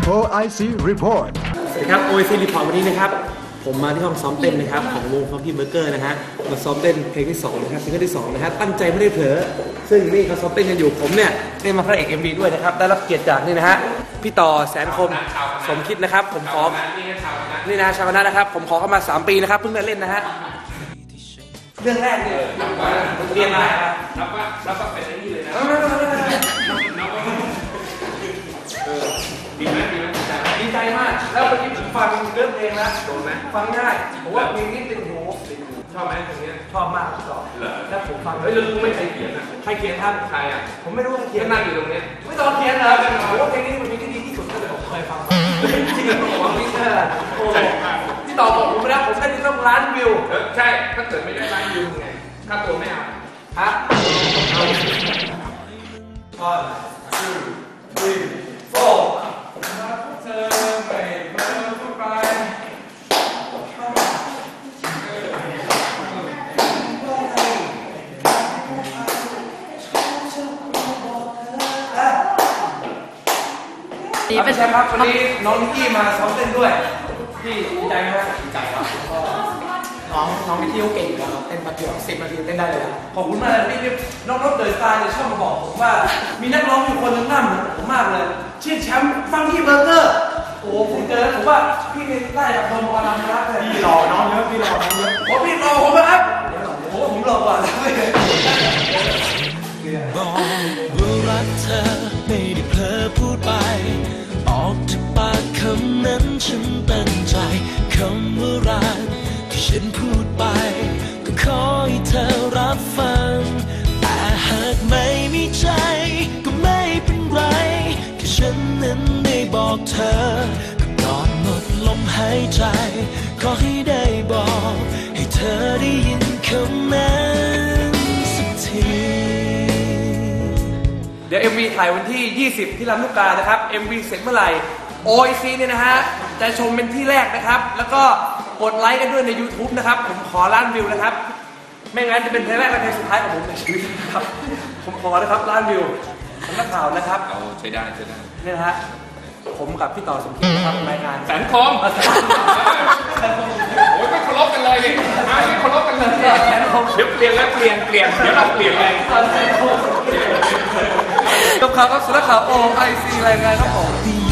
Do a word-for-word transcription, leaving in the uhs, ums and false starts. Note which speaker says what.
Speaker 1: โอ ไอ ซี Report
Speaker 2: สวัสดีครับ โอ ไอ ซี Report วันนี้นะครับผมมาที่ห้องซ้อมเต้นนะครับของวงฟังกี้เบอร์เกอร์นะฮะมาซ้อมเต้นเพลงที่สองนะครับซิงเกิลที่สองนะฮะตั้งใจไม่ได้เผลอซึ่งนี่เขาซ้อมเต้นกันอยู่ผมเนี่ยได้มาพระเอก เอ็ม วี ด้วยนะครับได้รับเกียรติจากนี่นะฮะพี่ต่อแสนคมสมคิดนะครับผมขอนี่นะชาวคณะนะครับผมขอเข้ามาสามปีนะครับเพิ่งได้เล่นนะฮะเรื่องแรกเนี่ยเรียนมารับว่ารับว่าเป็นไอ้นี่เลยนะดีไหมดีไหมดีใจมากแล้วเมื่อกี้ผมฟังเรื่องเพลงแล้วโดนไหมฟังง่ายผมว่าเพลงนี้ติดหูชอบไหมเพลงนี้ชอบมากต่อแล้วผมฟังเฮ้ยแล้วรู้ไหมใครเขียนอ่ะใครเขียนท่านใครอ่ะผมไม่รู้ใครเขียนนั่งอยู่ตรงนี้ไม่ต้องเขียนนะผมว่าเพลงนี้มันเป็นเพลงที่ดีที่สุดที่ผมเคยฟังจริงๆผมว่าพี่เตอร์พี่ต่อบอกผมไปแล้วผมได้ต้องล้านวิว
Speaker 3: ใช่ถ้าเกิดไม่ได้ล้านวิวไงค่าตัวไม่เอา
Speaker 2: ฮะเอา one two three fourเธอไม่เพิ่มเข้าไปดีเป็นไงครับวันนี้น้องนิกกี้มาซ้อมเต้นด้วยพี่ดีใจไหมครับดีใจครับน้องน้องนิกกี้เขาเก่งอยู่แล้วเต้นแป๊บเดียวสิบนาทีเต้นได้เลยขอบคุณมากเลยพี่น้องรถเดินตาเนี่ยชอบมาบอกผมว่ามีนักร้องอยู่คนหนึ่งหน้าเหมือนผมมากเลยชื่อแชมป์ฟังกี้เบอร์เกอร์โอ้ผมเจอผมว่าพี่ได้จากโดนบอลนารักเลยพี่หล่อน้องเยอะพี่หล่อน้องเยอะโอ้พี่หล่อผมนะครับโอ้ผมหล่อกว่าแล้วเลย
Speaker 4: บอกว่ารักเธอไม่ได้เผลอพูดไปออกจากปากคำนั้นฉันตั้งใจคำว่ารักที่ฉันพูดไปก็ขอให้เธอรับฟังแต่หากไม่มีใจก็ไม่เป็นไรแค่ฉันนั้นได้บอกเธอก็ก่อนหมดลมหายใจขอให้ได้บอกให้เธอได้ยินคำนั้นสักที
Speaker 2: เดี๋ยว เอ็ม วี ถ่ายวันที่ยี่สิบที่ลำลูกกานะครับ เอ็ม วี เสร็จเมื่อไหร่ โอ ไอ ซี เนี่ยนะฮะจะชมเป็นที่แรกนะครับแล้วก็กดไลค์กันด้วยใน YouTube นะครับผมขอล้านวิวนะครับไม่งั้นจะเป็นเพลงแรกและเพลงสุดท้ายของผมในชีวิตนะครับผมขอนะครับล้านวิวสำนักข่าวนะครับ
Speaker 3: เอาใช้ได้ใช้ได้
Speaker 2: นี่นะฮะผมกับพี่ต่อสมคิดนะครับรายงาน
Speaker 3: แสนคมโอ้ยไม่เคารพกันเลยดิไม่เคารพกันเลยเดี๋ยวเปลี่ยนแล้วเปลี่ยนเปลี่ยนเดี๋ยวเราเปลี่ยนเลย
Speaker 2: กับข่าวครับสำนักข่าว โอ ไอ ซี รายงานครับผม